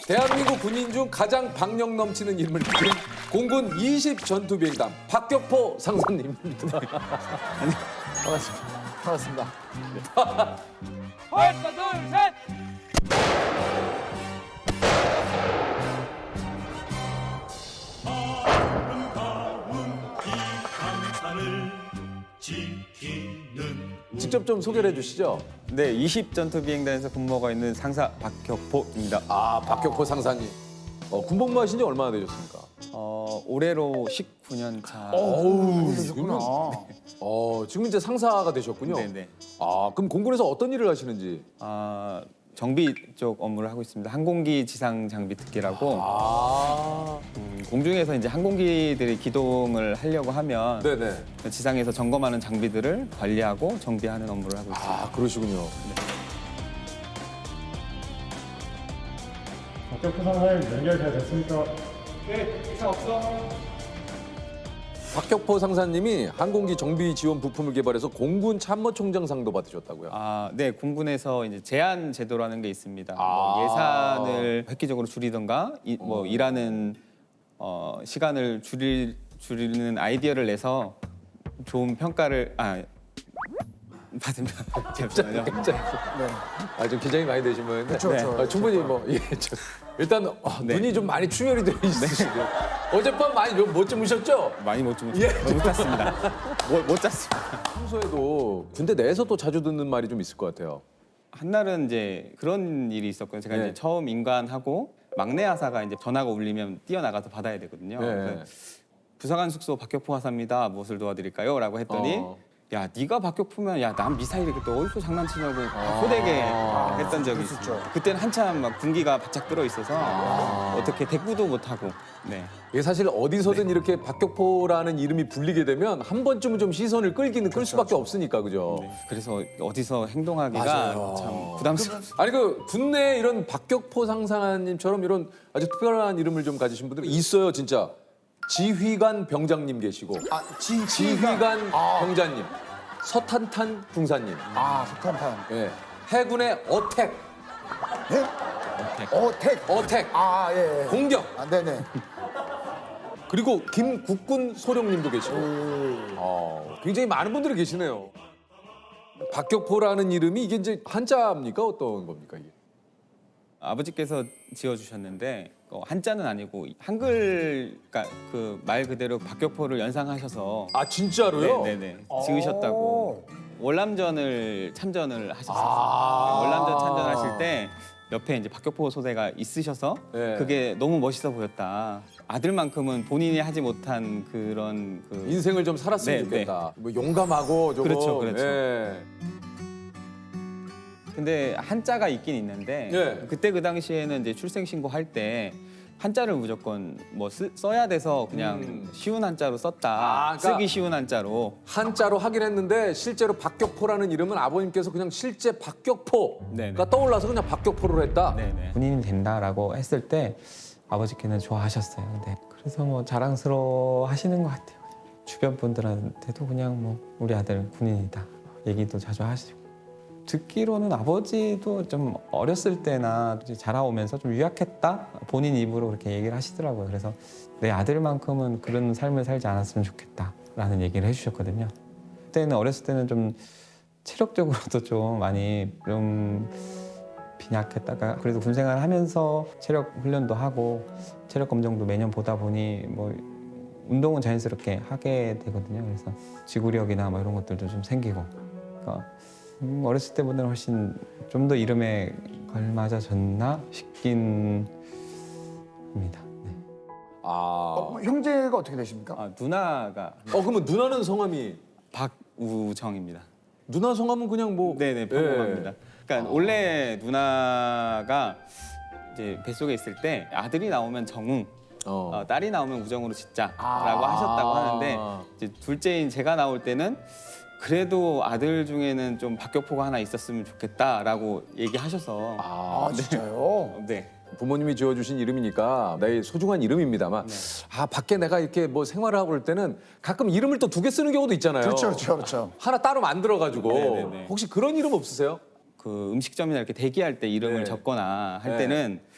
대한민국 군인 중 가장 박력 넘치는 이름을 지닌 공군 20 전투비행단 박격포 상사님입니다. 반갑습니다. 반갑습니다. 하나, 둘, 셋! 직접 좀 소개를 해주시죠. 네, 20 전투비행단에서 근무하고 있는 상사 박격포입니다. 아, 박격포 상사님. 군복무하신 지 얼마나 되셨습니까? 올해로 19년 차. 어우, 그러셨구나. 지금 이제 상사가 되셨군요. 네네. 아, 그럼 공군에서 어떤 일을 하시는지. 정비 쪽 업무를 하고 있습니다. 항공기 지상 장비 특기라고 아, 공중에서 이제 항공기들이 기동을 하려고 하면 네네. 지상에서 점검하는 장비들을 관리하고 정비하는 업무를 하고 있습니다. 아, 그러시군요. 박격포 상사님 연결 잘 됐습니까? 박격포 상사님이 항공기 정비 지원 부품을 개발해서 공군 참모총장상도 받으셨다고요. 네, 공군에서 이제 제한 제도라는 게 있습니다. 아. 뭐 예산을 획기적으로 줄이던가 일하는 시간을 줄이는 아이디어를 내서 좋은 평가를 받으면 잠시만요. 아, 좀 긴장이 많이 되신 모양인데. 그렇죠. 충분히 일단 눈이 좀 많이 충혈이 되어 있으시고 어젯밤 많이 못 주무셨죠? 많이 못 잤습니다. 못 잤습니다. 평소에도 군대 내에서도 자주 듣는 말이 좀 있을 것 같아요. 한날은 이제 그런 일이 있었거든요. 제가 네. 이제 처음 인관하고 막내 하사가 이제 전화가 울리면 뛰어나가서 받아야 되거든요. 네. 그래서 부사관 숙소 박격포 하사입니다. 무엇을 도와드릴까요? 라고 했더니 야, 네가 박격포면 야, 난 미사일이 또 어디서 장난치냐고 호되게 했던 적이 있었죠. 그때는 한참 막 군기가 바짝 들어 있어서 어떻게 대꾸도 못 하고. 네. 이게 사실 어디서든 이렇게 박격포라는 이름이 불리게 되면 한 번쯤은 좀 시선을 끌 수밖에 없으니까, 그죠? 네. 그래서 어디서 행동하기가 맞아요. 참 부담스럽습니다. 아니 군내 이런 박격포 상사님처럼 이런 아주 특별한 이름을 좀 가지신 분들이 있어요, 진짜. 지휘관 병장님 계시고, 지휘관 병장님, 서탄탄 중사님, 석탄탄. 예. 해군의 어택, 어택, 예. 공격, 네네. 그리고 김국군 소령님도 계시고, 굉장히 많은 분들이 계시네요. 박격포라는 이름이 이게 이제 한자입니까? 어떤 겁니까 이게? 아버지께서 지어주셨는데 한자는 아니고 한글, 그러니까 그 말 그대로 박격포를 연상하셔서 아 진짜로요? 네네네 지으셨다고. 월남전을 참전을 하셨어요. 아. 월남전 참전하실 때 옆에 이제 박격포 소대가 있으셔서 네. 그게 너무 멋있어 보였다. 아들만큼은 본인이 하지 못한 그런 인생을 좀 살았으면 네, 좋겠다. 뭐 용감하고 조금. 그렇죠, 그렇죠. 예. 근데 한자가 있긴 있는데 예. 그때 그 당시에는 이제 출생 신고할 때 한자를 무조건 뭐 써야 돼서 그냥 쉬운 한자로 썼다. 아, 그러니까 쓰기 쉬운 한자로. 한자로 하긴 했는데 실제로 박격포라는 이름은 아버님께서 그냥 실제 박격포가 네네. 떠올라서 그냥 박격포로 했다. 네네. 군인이 된다라고 했을 때 아버지께는 좋아하셨어요. 네. 그래서 뭐 자랑스러워 하시는 것 같아요. 주변 분들한테도 그냥 뭐 우리 아들 군인이다 얘기도 자주 하시고. 듣기로는 아버지도 좀 어렸을 때나 이제 자라오면서 좀 유약했다 본인 입으로 그렇게 얘기를 하시더라고요. 그래서 내 아들만큼은 그런 삶을 살지 않았으면 좋겠다라는 얘기를 해주셨거든요. 그때는 어렸을 때는 좀 체력적으로도 좀 많이 좀 빈약했다가 그래도 군 생활하면서 체력 훈련도 하고 체력 검정도 매년 보다 보니 뭐 운동은 자연스럽게 하게 되거든요. 그래서 지구력이나 뭐 이런 것들도 좀 생기고. 그러니까 어렸을 때보다는 훨씬 좀 더 이름에 걸맞아졌나 싶긴 합니다. 네. 형제가 어떻게 되십니까? 누나가 그러면 누나는 성함이 박우정입니다. 누나 성함은 그냥 뭐 네네 평범합니다. 예. 그러니까 원래 누나가 이제 뱃속에 있을 때 아들이 나오면 정웅, 딸이 나오면 우정으로 짓자라고 하셨다고 하는데 이제 둘째인 제가 나올 때는 그래도 아들 중에는 좀 박격포가 하나 있었으면 좋겠다라고 얘기하셔서 진짜요? 네. 부모님이 지어주신 이름이니까 나의 소중한 이름입니다만 밖에 내가 이렇게 뭐 생활을 하고 그럴 때는 가끔 이름을 또 두 개 쓰는 경우도 있잖아요. 그렇죠. 하나 따로 만들어가지고 네네네. 혹시 그런 이름 없으세요? 그 음식점이나 이렇게 대기할 때 이름을 네. 적거나 할 네. 때는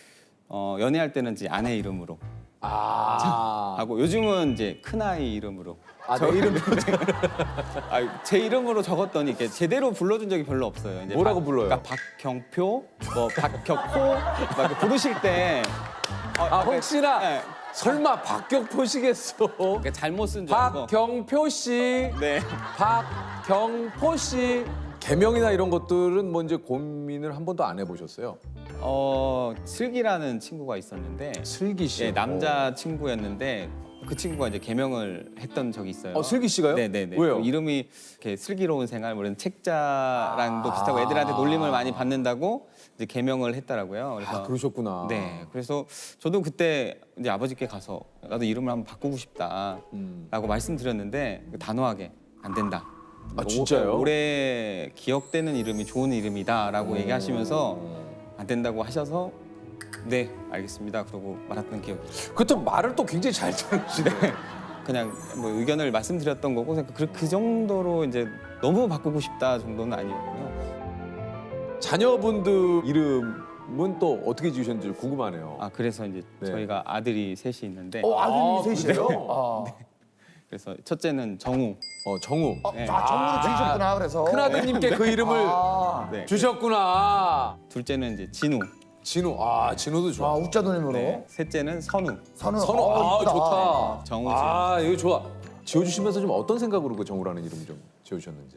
연애할 때는 이제 아내 이름으로 아. 하고 요즘은 이제 큰아이 이름으로. 아, 내 이름 제 이름으로 적었더니 이렇게 제대로 불러준 적이 별로 없어요. 이제 뭐라고 불러요? 그러니까 박경표, 뭐 박격포 막 이렇게 부르실 때 아, 혹시나 네. 설마 박격포시겠어? 그러니까 잘못 쓴 줄 알고. 박경표 씨, 네. 박경포 씨 개명이나 이런 것들은 뭐 이제 고민을 한 번도 안 해보셨어요? 슬기라는 친구가 있었는데 슬기 씨. 예, 남자 친구였는데 그 친구가 이제 개명을 했던 적이 있어요. 슬기 씨가요? 네네네. 왜요? 이름이 이렇게 슬기로운 생활, 뭐 이런 책자랑도 비슷하고 애들한테 놀림을 많이 받는다고 이제 개명을 했더라고요. 그래서 아, 그러셨구나. 네. 그래서 저도 그때 이제 아버지께 가서 나도 이름을 한번 바꾸고 싶다라고 말씀드렸는데 단호하게 안 된다. 아, 진짜요? 오래 기억되는 이름이 좋은 이름이다라고 얘기하시면서 안 된다고 하셔서 네 알겠습니다. 그러고 말았던 기억이. 그렇다면 말을 또 굉장히 잘 들으시네. 그냥 뭐 의견을 말씀드렸던 거고 그 정도로 이제 너무 바꾸고 싶다 정도는 아니었고요. 자녀분들 이름은 또 어떻게 지으셨는지 궁금하네요. 아 그래서 이제 네. 저희가 아들이 셋이 있는데 아들이 셋이에요? 그래요? 그래서 첫째는 정우, 정우. 네. 정으로 지으셨구나, 그래서. 큰아드님께 그 이름을 네. 주셨구나. 둘째는 이제 진우, 진우. 진우도 좋아. 웃자 누님으로. 네. 셋째는 선우, 선우. 선우. 이쁘다. 좋다. 정우. 이거 좋아. 지어주시면서 좀 어떤 생각으로 그 정우라는 이름 좀 지어주셨는지.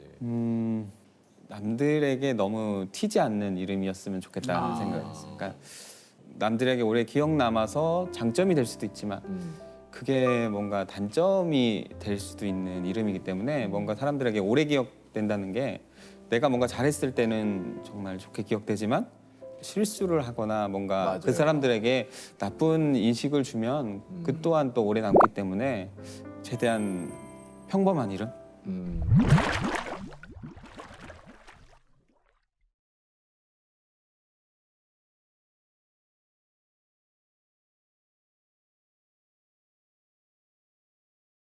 남들에게 너무 튀지 않는 이름이었으면 좋겠다는 생각이 있어요. 그러니까 남들에게 오래 기억 남아서 장점이 될 수도 있지만 그게 뭔가 단점이 될 수도 있는 이름이기 때문에 뭔가 사람들에게 오래 기억된다는 게 내가 뭔가 잘했을 때는 정말 좋게 기억되지만 실수를 하거나 뭔가 맞아요. 그 사람들에게 나쁜 인식을 주면 그 또한 또 오래 남기 때문에 최대한 평범한 이름 음.